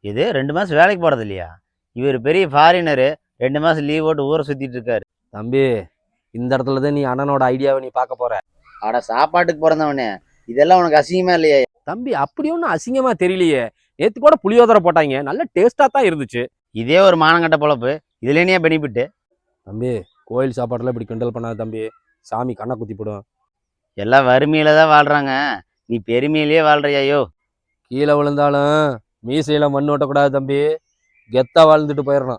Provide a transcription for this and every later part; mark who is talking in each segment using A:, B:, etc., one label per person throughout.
A: இது 2 மாசம் வேலைக்கு போறது இல்லையா? இவர் பெரிய ஃபாரினரு. 2 மாசம் லீவ் போட்டு ஊரை சுத்திட்டு இருக்காரு.
B: தம்பி, இந்த இடத்துல தான் நீ அண்ணனோட ஐடியாவை நீ பார்க்க போற.
A: அட சாப்பாட்டுக்கு பிறந்தவனே, இதெல்லாம் உனக்கு அசிங்கமா இல்லையா?
B: தம்பி, அப்படி ஒன்றும் அசிங்கமா தெரியலையே. நேத்து கூட புளியோதரை போட்டாங்க, நல்ல டேஸ்டா தான் இருந்துச்சு.
A: இதே ஒரு மானங்கட்ட பொழப்பு. இதுல என்னையா பெனிஃபிட்?
B: தம்பி, கோயில் சாப்பாடுல இப்படி கிண்டல் பண்ணாத தம்பி. சாமி கண்ணை குத்தி போடும்.
A: எல்லாம் வறுமையில தான் வாழ்றாங்க. நீ பெருமையிலேயே வாழ்றியாயோ?
B: கீழே விழுந்தாலும் மீசையில மண் ஓட்டக்கூடாது தம்பி. கெத்தா வாழ்ந்துட்டு போயிடணும்.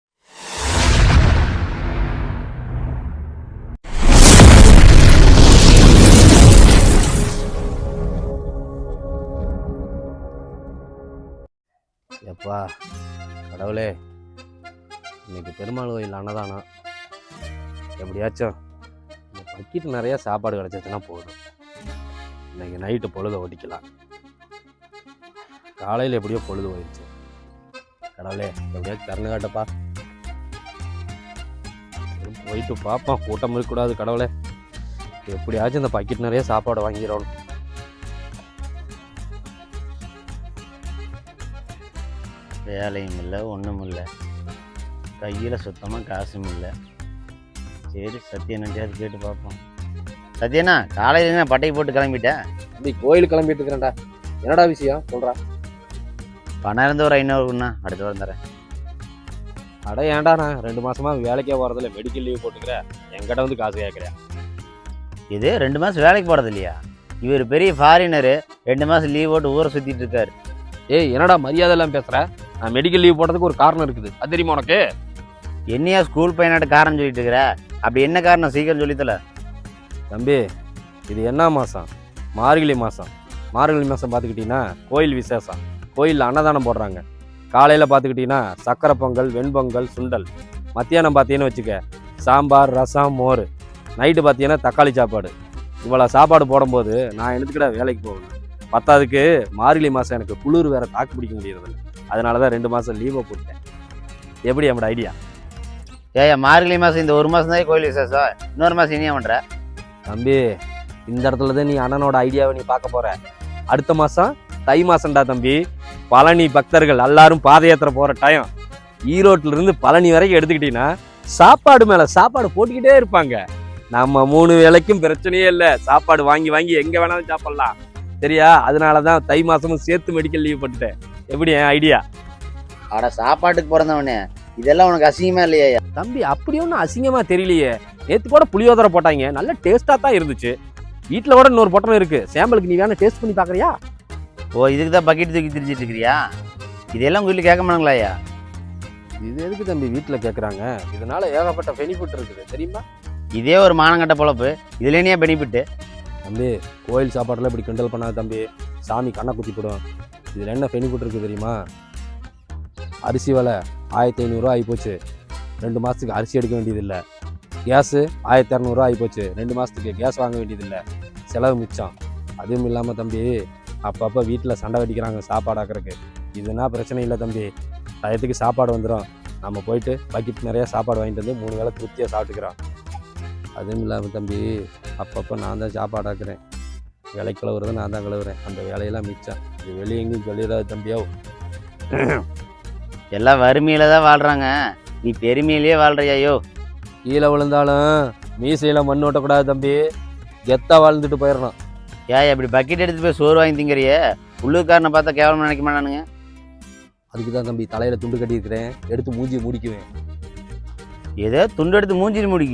B: எப்பா கடவுளே, இன்னைக்கு பெருமாள் கோயில் அன்னதானம். எப்படியாச்சும் இந்த பக்கெட் நிறைய சாப்பாடு கிடச்சிச்சுன்னா போதும். இன்னைக்கு நைட்டு பொழுத ஓட்டிக்கலாம். காலையில் எப்படியோ பொழுது போயிடுச்சு. கடவுளே, எப்படியாச்சும் திறந்து காட்டப்பா. போயிட்டு பார்ப்போம், கூட்டம் இருக்கக்கூடாது. கடவுளே, எப்படியாச்சும் இந்த பக்கெட் நிறைய சாப்பாடு வாங்கிடணும்.
A: வேலையும் இல்லை, ஒன்றும் இல்லை, கையில் சுத்தமாக காசும் இல்லை. சரி, சத்யனாட்டியாவது கேட்டு பார்ப்போம். சத்யனா, காலையில் நான் பட்டைக்கு போட்டு கிளம்பிட்டேன்.
B: அப்படி கோயிலுக்கு கிளம்பிட்டு இருக்கிறேன்டா. என்னடா விஷயம் சொல்கிறா?
A: பணம் இருந்து ஒரு 500 அடுத்த வாரம் தரேன்.
B: அட ஏன்டா, நான் 2 மாசமா வேலைக்கே போகிறதில்ல, மெடிக்கல் லீவ் போட்டுக்கிறேன். என்கிட்ட வந்து காசு கேட்குறேன்.
A: இது 2 மாதம் வேலைக்கு போகிறது இல்லையா? இவர் பெரிய ஃபாரினரு. 2 மாதம் லீவ் போட்டு ஊரை சுற்றிட்டு இருக்காரு.
B: ஏய், என்னடா மரியாதை எல்லாம் பேசுற? நான் மெடிக்கல் லீவ் போட்டதுக்கு ஒரு காரணம் இருக்குது, அது தெரியுமா உனக்கு?
A: என்னையா ஸ்கூல் பையனாட்ட காரணம் சொல்லிட்டு இருக்கிற? அப்படி என்ன காரணம் சீக்கிரம் சொல்லித்தல.
B: தம்பி, இது என்ன மாதம்? மார்கழி மாதம். மார்கழி மாதம் பார்த்துக்கிட்டிங்கன்னா கோயில் விசேஷம். கோயிலில் அன்னதானம் போடுறாங்க. காலையில் பார்த்துக்கிட்டிங்கன்னா சக்கரை பொங்கல், வெண்பொங்கல், சுண்டல். மத்தியானம் பார்த்தீங்கன்னு வச்சுக்க, சாம்பார், ரசம், மோர். நைட்டு பார்த்தீங்கன்னா தக்காளி சாப்பாடு. இவ்வளோ சாப்பாடு போடும்போது நான் எடுத்துக்கிட்ட வேலைக்கு போகணும். பத்தாவதுக்கு மார்கழி மாதம் எனக்கு குளிர் வேறு தாக்கு பிடிக்க முடியறதில்ல. அதனால தான் 2 மாதம் லீவை போட்டேன். எப்படி நம்மளோட ஐடியா?
A: ஏயா, மார்கழி மாதம் இந்த 1 மாதம் தான் கோயில் விசேஷம். இன்னொரு மாதம் இனியா பண்ணுற?
B: தம்பி, இந்த இடத்துல தான் நீ அண்ணனோட ஐடியாவை நீ பார்க்க போற. அடுத்த மாதம் தை மாசம்டா தம்பி. பழனி பக்தர்கள் எல்லாரும் பாத யாத்திரை போகிற டைம். ஈரோட்டில இருந்து பழனி வரைக்கும் எடுத்துக்கிட்டீங்கன்னா சாப்பாடு மேலே சாப்பாடு போட்டுக்கிட்டே இருப்பாங்க. நம்ம 3 வேளைக்கும் பிரச்சனையே இல்லை. சாப்பாடு வாங்கி வாங்கி எங்கே வேணாலும் சாப்பிட்லாம். சரியா? அதனால தான் தை மாதமும் சேர்த்து மெடிக்கல் லீவ் பண்ணிட்டேன். எப்படி என் ஐடியா?
A: அட சாப்பாட்டுக்கு பிறந்தவனே, இதெல்லாம் உனக்கு அசிங்கமா இல்லையா?
B: தம்பி, அப்படி ஒன்றும் அசிங்கமா தெரியலையே. நேற்று கூட புளியோதரை போட்டாங்க, நல்ல டேஸ்ட்டாக தான் இருந்துச்சு. வீட்டில் கூட இன்னொரு பொட்டணம் இருக்கு, சாம்பிளுக்கு நீ வேணா டேஸ்ட் பண்ணி பார்க்குறியா?
A: ஓ, இதுக்கு தான் பக்கெட் தூக்கி திரிச்சிட்டு இருக்கிறியா? இதெல்லாம் உங்கள் வீட்டில் கேட்க மாட்டாங்களாயா?
B: இது எதுக்கு தம்பி வீட்டில் கேட்குறாங்க? இதனால ஏகப்பட்ட பெனிஃபிட் இருக்குது தெரியுமா?
A: இதே ஒரு மானங்கட்ட பொழப்பு. இதுல என்னையா பெனிஃபிட்?
B: தம்பி, கோயில் சாப்பாடுலாம் இப்படி கிண்டல் பண்ணாத தம்பி. சாமி கண்ணை குத்தி போடும். இதில் என்ன பெனிஃபிட் இருக்குது தெரியுமா? அரிசி விலை 1500 ஆகிப்போச்சு. 2 மாதத்துக்கு அரிசி எடுக்க வேண்டியதில்லை. கேஸு 1200 ஆகிப்போச்சு. 2 மாதத்துக்கு கேஸ் வாங்க வேண்டியதில்லை. செலவு மிச்சம். அதுவும் இல்லாமல் தம்பி, அப்பப்போ வீட்டில் சண்டை வெடிக்கிறாங்க சாப்பாடு ஆக்கிறதுக்கு. இதுனா பிரச்சனை இல்லை தம்பி. டயத்துக்கு சாப்பாடு வந்துடும். நம்ம போயிட்டு பக்கெட் நிறையா சாப்பாடு வாங்கிட்டு வந்து 3 வேளை திருப்தியாக சாப்பிட்டுக்கிறோம். அதுவும் இல்லாமல் தம்பி, அப்பப்போ நான் தான் சாப்பாடு ஆக்குறேன். விலை கழுவுறதை நான் தான் கழுவுறேன். அந்த வேலையெல்லாம் மிச்சம். இது வெளியே எங்கேயும் சொல்லிடாது தம்பியோ.
A: எல்லாம் வறுமையில தான் வாழ்றாங்க. நீ பெருமையிலேயே வாழ்றியாயோ?
B: கீழே விழுந்தாலும் மீசையில் மண் ஓட்டக்கூடாது தம்பி. கெத்தாக வாழ்ந்துட்டு போயிடணும்.
A: ஏன் இப்படி பக்கெட் எடுத்துட்டு போய் சோறு வாங்கி திங்கிறியே? உள்ளூர்காரனை பார்த்தா கேவலமாக நினைக்க மாட்டானுங்க.
B: அதுக்கு தான் தம்பி தலையில் துண்டு கட்டியிருக்கிறேன். எடுத்து மூஞ்சி முடிக்குவேன்.
A: ஏதோ துண்டு எடுத்து மூஞ்சில் முடிக்கு.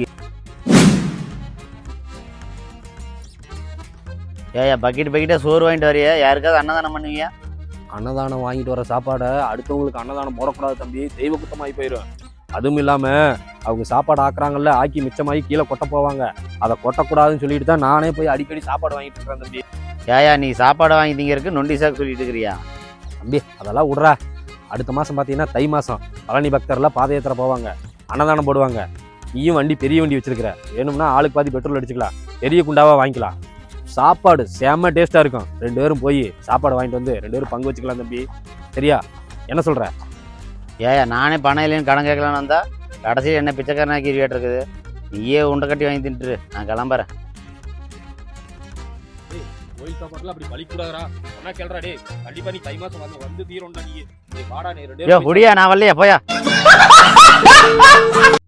A: ஏயா, பக்கெட்டாக சோறு வாங்கிட்டு வரையா? யாருக்காவது அன்னதானம் பண்ணுவியா?
B: அன்னதானம் வாங்கிட்டு வர சாப்பாடை அடுத்தவங்களுக்கு அன்னதானம் போடக்கூடாது தம்பி. தெய்வ குத்தமாகி போயிடும். அதுவும் இல்லாமல் அவங்க சாப்பாடு ஆக்குறாங்கல்ல, ஆக்கி மிச்சமாகி கீழே கொட்ட போவாங்க. அதை கொட்டக்கூடாதுன்னு சொல்லிட்டு தான் நானே போய் அடிக்கடி சாப்பாடு வாங்கிட்டு இருக்கிறேன் தம்பி.
A: ஏயா, நீ சாப்பாடு வாங்கி திங்கிறதுக்கு நொண்டி சாக்கு சொல்லிட்டு இருக்கிறியா?
B: தம்பி, அதெல்லாம் விட்றா. அடுத்த மாதம் பார்த்தீங்கன்னா தை மாதம் பழனி பக்தர்லாம் பாத யாத்திரை போவாங்க, அன்னதானம் போடுவாங்க. நீயும் வண்டி பெரிய வண்டி வச்சிருக்கிற, வேணும்னா ஆளுக்கு பாதி பெட்ரோல் அடிச்சுக்கலாம், பெரிய குண்டாவாக வாங்கிக்கலாம். சாப்பாடு செம்ம டேஸ்ட்டாக இருக்கும். 2 பேரும் போய் சாப்பாடு வாங்கிட்டு வந்து 2 பேரும் பங்கு வச்சுக்கலாம் தம்பி. சரியா? என்ன சொல்கிற?
A: ஏயா, நானே பணம் இல்லைன்னு கடன் கேட்கலான்னு வந்தா கடைசியில் என்ன பிச்சைக்காரனாக்கி இருக்குது. நீயே உண்டை கட்டி வாங்கி தின்ட்டுரு. நான் கிளம்புறேன்.
B: கோயில் சாப்பாட்டுல அப்படி பழி கூடாதா சொன்னா கேள்றா டே கண்டிப்பா நீ தை மாசம் வந்து தீரோம்டா நீ வாடா நீ
A: யோ முடியா நான் வரலையா போயா